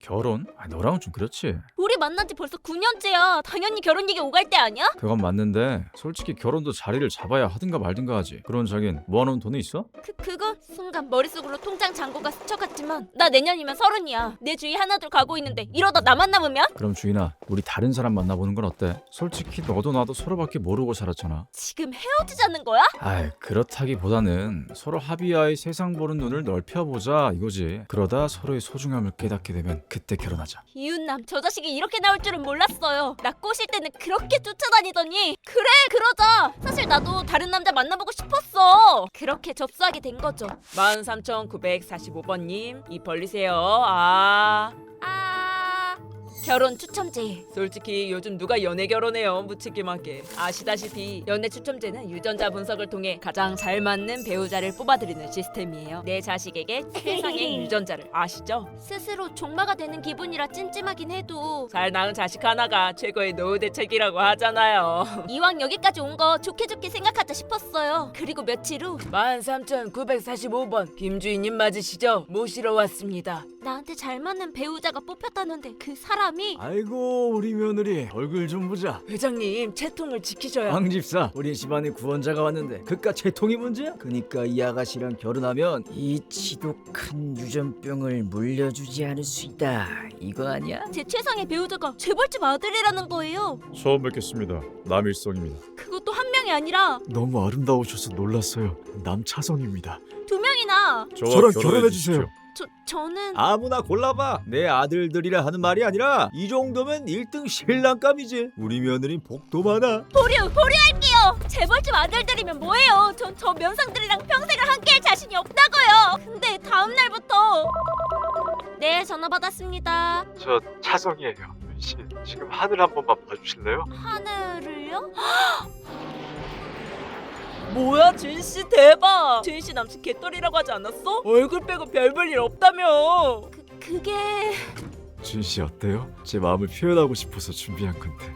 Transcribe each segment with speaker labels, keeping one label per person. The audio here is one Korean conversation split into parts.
Speaker 1: 결혼? 너랑은 좀 그렇지.
Speaker 2: 우리 만난 지 벌써 9년째야. 당연히 결혼 얘기 오갈 때 아니야?
Speaker 1: 그건 맞는데 솔직히 결혼도 자리를 잡아야 하든가 말든가 하지. 그런 자긴 모아놓은 돈이 있어?
Speaker 2: 그거 순간 머릿속으로 통장 잔고가 스쳐갔지만 나 내년이면 30이야. 내 주위 하나둘 가고 있는데 이러다 나만 남으면?
Speaker 1: 그럼 주인아, 우리 다른 사람 만나보는 건 어때? 솔직히 너도 나도 서로밖에 모르고 살았잖아.
Speaker 2: 지금 헤어지자는 거야?
Speaker 1: 그렇다기보다는 서로 합의하에 세상 보는 눈을 넓혀보자 이거지. 그러다 서로의 소중함을 깨닫게 되면 그때 결혼하자.
Speaker 2: 이웃남 저 자식이 이렇게 나올 줄은 몰랐어요. 나 꼬실 때는 그렇게 쫓아다니더니 그래 그러자. 사실 나도 다른 남자 만나보고 싶었어. 그렇게 접수하게 된 거죠.
Speaker 3: 13,945번님 입 벌리세요.
Speaker 2: 결혼 추첨제.
Speaker 3: 솔직히 요즘 누가 연애 결혼해요, 무책임하게. 아시다시피 연애 추첨제는 유전자 분석을 통해 가장 잘 맞는 배우자를 뽑아드리는 시스템이에요. 내 자식에게 최상의 유전자를 아시죠?
Speaker 2: 스스로 종마가 되는 기분이라 찜찜하긴 해도
Speaker 3: 잘 낳은 자식 하나가 최고의 노후 대책이라고 하잖아요.
Speaker 2: 이왕 여기까지 온 거 좋게 좋게 생각하자 싶었어요. 그리고 며칠 후
Speaker 3: 13,945번 김주인님 맞으시죠? 모시러 왔습니다.
Speaker 2: 나한테 잘 맞는 배우자가 뽑혔다는데 그 사람이
Speaker 4: 아이고 우리 며느리 얼굴 좀 보자.
Speaker 3: 회장님 채통을 지키셔야.
Speaker 4: 황 집사, 우리 집안에 구원자가 왔는데 그깟 채통이 문제야? 그니까 이 아가씨랑 결혼하면 이 지독한 유전병을 물려주지 않을 수 있다. 이거 아니야?
Speaker 2: 제 최상의 배우자가 재벌집 아들이라는 거예요.
Speaker 1: 처음 뵙겠습니다. 남일성입니다.
Speaker 2: 그것도 한 명이 아니라
Speaker 4: 너무 아름다우셔서 놀랐어요. 남차성입니다.
Speaker 2: 2명이나.
Speaker 4: 저랑 결혼해주세요.
Speaker 2: 저는
Speaker 4: 아무나 골라봐. 내 아들들이라 하는 말이 아니라 이 정도면 1등 신랑감이지. 우리 며느린 복도 많아.
Speaker 2: 보류할게요. 재벌집 아들들이면 뭐예요? 전 저 면상들이랑 평생을 함께할 자신이 없다고요. 근데 다음 날부터 네, 전화 받았습니다.
Speaker 5: 저 차성이에요. 씨, 지금 하늘 한 번만 봐주실래요?
Speaker 2: 하늘을요?
Speaker 3: 뭐야 주인씨 대박. 주인씨 남친 개떨이라고 하지 않았어? 얼굴 빼고 별 볼 일 없다며.
Speaker 2: 그게
Speaker 4: 준씨 어때요? 제 마음을 표현하고 싶어서 준비한 건데.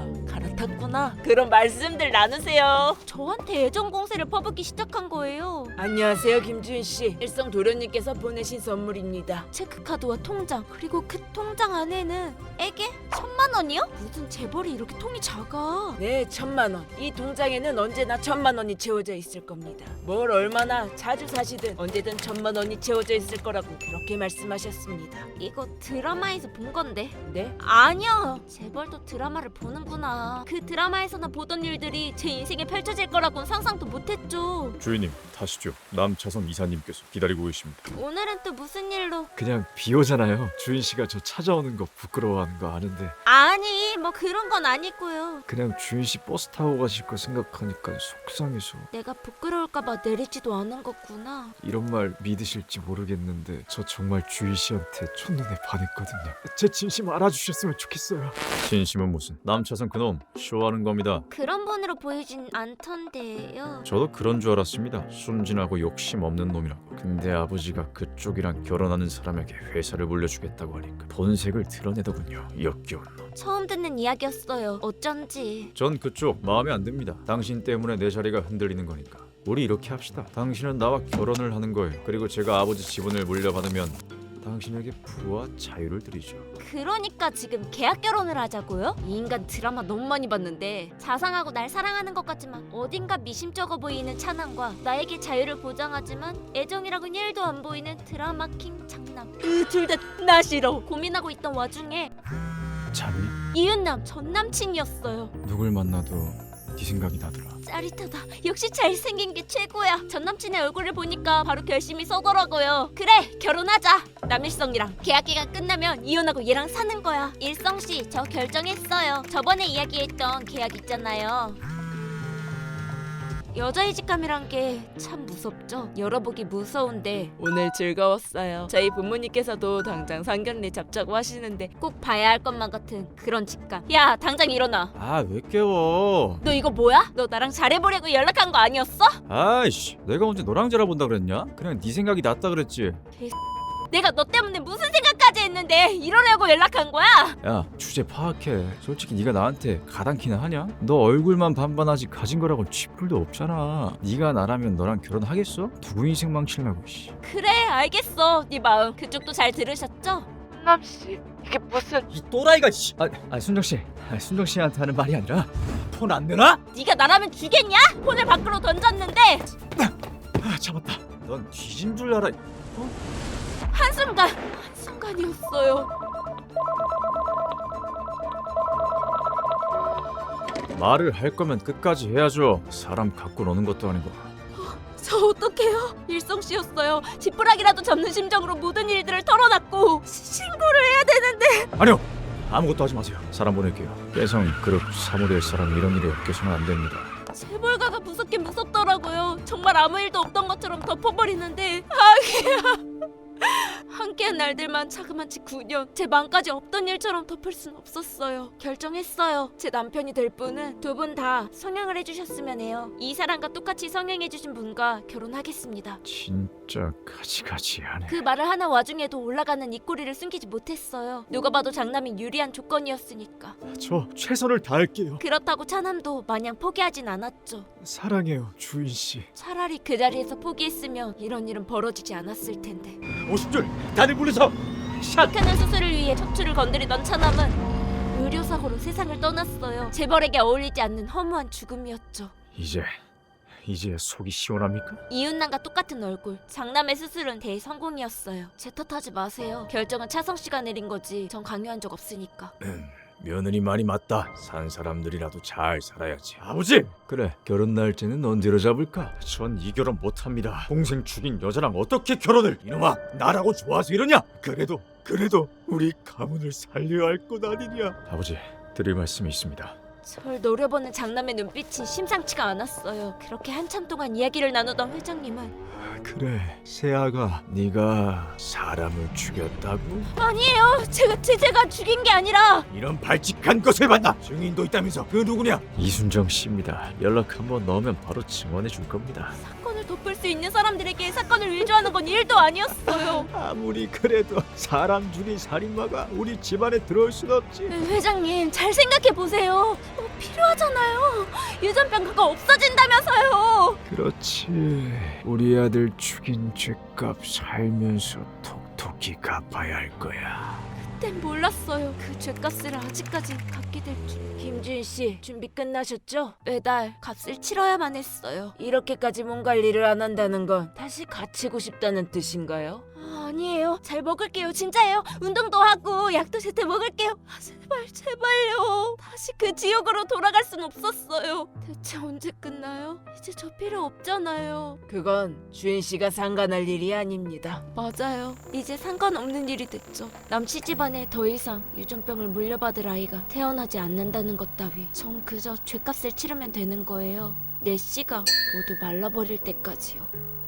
Speaker 3: 갈아탔구나. 그럼 말씀들 나누세요.
Speaker 2: 저한테 애정 공세를 퍼붓기 시작한 거예요.
Speaker 3: 안녕하세요 김주인씨. 일성 도련님께서 보내신 선물입니다.
Speaker 2: 체크카드와 통장, 그리고 그 통장 안에는 에게 1,000만 원이요? 무슨 재벌이 이렇게 통이 작아?
Speaker 3: 네 1,000만 원. 이 통장에는 언제나 1,000만 원이 채워져 있을 겁니다. 뭘 얼마나 자주 사시든 언제든 1,000만 원이 채워져 있을 거라고 그렇게 말씀하셨습니다.
Speaker 2: 이거 드라마에서 본 건데.
Speaker 3: 네?
Speaker 2: 아니요. 재벌도 드라마를 보는구나. 그 드라마에서나 보던 일들이 제 인생에 펼쳐질 거라고는 상상도 못했죠.
Speaker 1: 주인님, 타시죠. 남차성 이사님께서 기다리고 계십니다.
Speaker 2: 오늘은 또 무슨 일로?
Speaker 4: 그냥 비 오잖아요. 주인씨가 저 찾아오는 거 부끄러워하는 거 아는데
Speaker 2: 아니, 뭐 그런 건 아니고요.
Speaker 4: 그냥 주인씨 버스 타고 가실 거 생각하니까 속상해서.
Speaker 2: 내가 부끄러울까봐 내리지도 않은 거구나.
Speaker 4: 이런 말 믿으실지 모르겠는데 저 정말 주인씨한테 첫눈에 반했거든요. 제 진심 알아주셨으면 좋겠어요.
Speaker 1: 진심은 무슨? 남차성 그놈 쇼하는 겁니다.
Speaker 2: 그런 분으로 보이진 않던데요.
Speaker 1: 저도 그런 줄 알았습니다. 순진하고 욕심 없는 놈이라고. 근데 아버지가 그쪽이랑 결혼하는 사람에게 회사를 물려주겠다고 하니까 본색을 드러내더군요. 역겨운 놈.
Speaker 2: 처음 듣는 이야기였어요. 어쩐지.
Speaker 1: 전 그쪽 마음에 안 듭니다. 당신 때문에 내 자리가 흔들리는 거니까. 우리 이렇게 합시다. 당신은 나와 결혼을 하는 거예요. 그리고 제가 아버지 지분을 물려받으면 당신에게 부와 자유를 드리죠.
Speaker 2: 그러니까 지금 계약 결혼을 하자고요? 이 인간 드라마 너무 많이 봤는데 자상하고 날 사랑하는 것 같지만 어딘가 미심쩍어 보이는 찬항과 나에게 자유를 보장하지만 애정이라고는 1도 안 보이는 드라마 킹 장남. 그 둘 다 나 싫어. 고민하고 있던 와중에
Speaker 1: 자네?
Speaker 2: 이웃남 전 남친이었어요.
Speaker 1: 누굴 만나도 네 생각이 나더라.
Speaker 2: 짜릿하다. 역시 잘생긴 게 최고야. 전 남친의 얼굴을 보니까 바로 결심이 서더라고요. 그래, 결혼하자. 남일성이랑 계약 기간 끝나면 이혼하고 얘랑 사는 거야. 일성씨, 저 결정했어요. 저번에 이야기했던 계약 있잖아요. 여자의 직감이란 게 참 무섭죠. 열어보기 무서운데
Speaker 3: 오늘 즐거웠어요. 저희 부모님께서도 당장 상견례 잡자고 하시는데
Speaker 2: 꼭 봐야 할 것만 같은 그런 직감. 야, 당장 일어나.
Speaker 1: 왜 깨워?
Speaker 2: 너 이거 뭐야? 너 나랑 잘해보려고 연락한 거 아니었어?
Speaker 1: 아이씨, 내가 언제 너랑 잘해본다 그랬냐? 그냥 네 생각이 낫다 그랬지.
Speaker 2: 내가 너 때문에 무슨 생각까지 했는데 이러려고 연락한 거야?
Speaker 1: 야, 주제 파악해. 솔직히 네가 나한테 가당키나 하냐? 너 얼굴만 반반하지 가진 거라고 쥐뿔도 없잖아. 네가 나라면 너랑 결혼하겠어? 누구 인생 망치려고 씨.
Speaker 2: 그래, 알겠어. 네 마음. 그쪽도 잘 들으셨죠?
Speaker 3: 순남 씨, 이게 무슨?
Speaker 4: 이 또라이가 씨. 순정 씨. 순정 씨한테 하는 말이 아니라 폰 안 되나?
Speaker 2: 네가 나라면 주겠냐? 폰을 밖으로 던졌는데
Speaker 4: 잡았다.
Speaker 1: 넌 뒤진 줄 알아.
Speaker 2: 한순간이었어요.
Speaker 1: 말을 할 거면 끝까지 해야죠. 사람 갖고 노는 것도 아니고.
Speaker 2: 저 어떡해요? 일성 씨였어요. 지푸라기라도 잡는 심정으로 모든 일들을 털어놨고 신고를 해야 되는데.
Speaker 1: 아니요. 아무것도 하지 마세요. 사람 보낼게요. 깨성 그룹 사무될 사람 이런 일이 없게서는 안 됩니다.
Speaker 2: 재벌가가 무섭긴 무섭더라고요. 정말 아무 일도 없던 것처럼 덮어버리는데 함께한 날들만 자그마치 9년 제 마음까지 없던 일처럼 덮을 순 없었어요. 결정했어요. 제 남편이 될 분은 두 분 다 성형을 해주셨으면 해요. 이 사람과 똑같이 성형해주신 분과 결혼하겠습니다.
Speaker 1: 진짜 가지가지하네.
Speaker 2: 그 말을 하는 와중에도 올라가는 입꼬리를 숨기지 못했어요. 누가 봐도 장남이 유리한 조건이었으니까.
Speaker 5: 저 최선을 다할게요.
Speaker 2: 그렇다고 차남도 마냥 포기하진 않았죠.
Speaker 5: 사랑해요, 주인 씨.
Speaker 2: 차라리 그 자리에서 포기했으면 이런 일은 벌어지지 않았을 텐데.
Speaker 5: 50줄 다들 불러서
Speaker 2: 극하는 수술을 위해 척추를 건드리던 차남은 의료사고로 세상을 떠났어요. 재벌에게 어울리지 않는 허무한 죽음이었죠.
Speaker 1: 이제 속이 시원합니까?
Speaker 2: 이웃남과 똑같은 얼굴. 장남의 수술은 대성공이었어요. 제 탓하지 마세요. 결정은 차성 씨가 내린 거지. 전 강요한 적 없으니까.
Speaker 1: 며느리 말이 맞다. 산 사람들이라도 잘 살아야지. 아버지! 그래, 결혼 날짜는 언제로 잡을까? 전 이 결혼 못합니다. 동생 죽인 여자랑 어떻게 결혼을? 이놈아, 나라고 좋아서 이러냐? 그래도 우리 가문을 살려야 할 것 아니냐? 아버지, 드릴 말씀이 있습니다.
Speaker 2: 절 노려보는 장남의 눈빛이 심상치가 않았어요. 그렇게 한참 동안 이야기를 나누던 회장님은
Speaker 1: 그래, 세아가 네가 사람을 죽였다고?
Speaker 2: 아니에요. 제가 죽인 게 아니라
Speaker 1: 이런 발칙한 것을 봤나? 증인도 있다면서 그 누구냐? 이순정 씨입니다. 연락 한번 넣으면 바로 증언해 줄 겁니다.
Speaker 2: 사건을 덮을 수 있는 사람들에게 사건을 위조하는 건 일도 아니었어요.
Speaker 1: 아무리 그래도 사람 죽인 살인마가 우리 집안에 들어올 순 없지.
Speaker 2: 회장님 잘 생각해 보세요. 필요하잖아요. 유전병가가 없어진다면서요.
Speaker 1: 그렇지. 우리 아들 죽인 죄값 살면서 톡톡히 갚아야 할 거야.
Speaker 2: 그땐 몰랐어요. 그 죄값을 아직까지 갚게 될 줄. 김주인 씨 준비 끝나셨죠? 매달 값을 치러야만 했어요. 이렇게까지 몸 관리를 안 한다는 건 다시 갇히고 싶다는 뜻인가요? 아니에요. 잘 먹을게요. 진짜예요. 운동도 하고 약도 제때 먹을게요. 제발요. 다시 그 지옥으로 돌아갈 순 없었어요. 대체 언제 끝나요? 이제 저 필요 없잖아요.
Speaker 3: 그건 주인 씨가 상관할 일이 아닙니다.
Speaker 2: 맞아요. 이제 상관없는 일이 됐죠. 남씨 집안에 더 이상 유전병을 물려받을 아이가 태어나지 않는다는 것 따위. 전 그저 죄값을 치르면 되는 거예요. 내 씨가 모두 말라버릴 때까지요.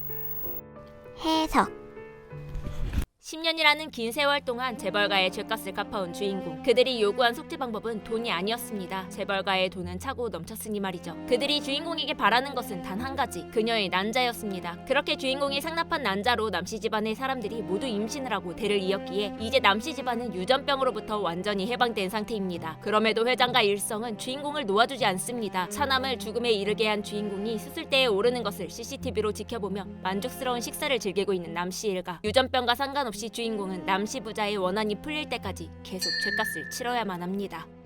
Speaker 2: 해석 10년이라는 긴 세월 동안 재벌가의 죄값을 갚아온 주인공. 그들이 요구한 속죄 방법은 돈이 아니었습니다. 재벌가의 돈은 차고 넘쳤으니 말이죠. 그들이 주인공에게 바라는 것은 단 한 가지. 그녀의 난자였습니다. 그렇게 주인공이 상납한 난자로 남씨 집안의 사람들이 모두 임신을 하고 대를 이었기에 이제 남씨 집안은 유전병으로부터 완전히 해방된 상태입니다. 그럼에도 회장과 일성은 주인공을 놓아주지 않습니다. 차남을 죽음에 이르게 한 주인공이 수술대에 오르는 것을 CCTV로 지켜보며 만족스러운 식사를 즐기고 있는 남씨 일가. 유전병과 상관없이 주인공은 남씨 부자의 원한이 풀릴 때까지 계속 죄값을 치러야만 합니다.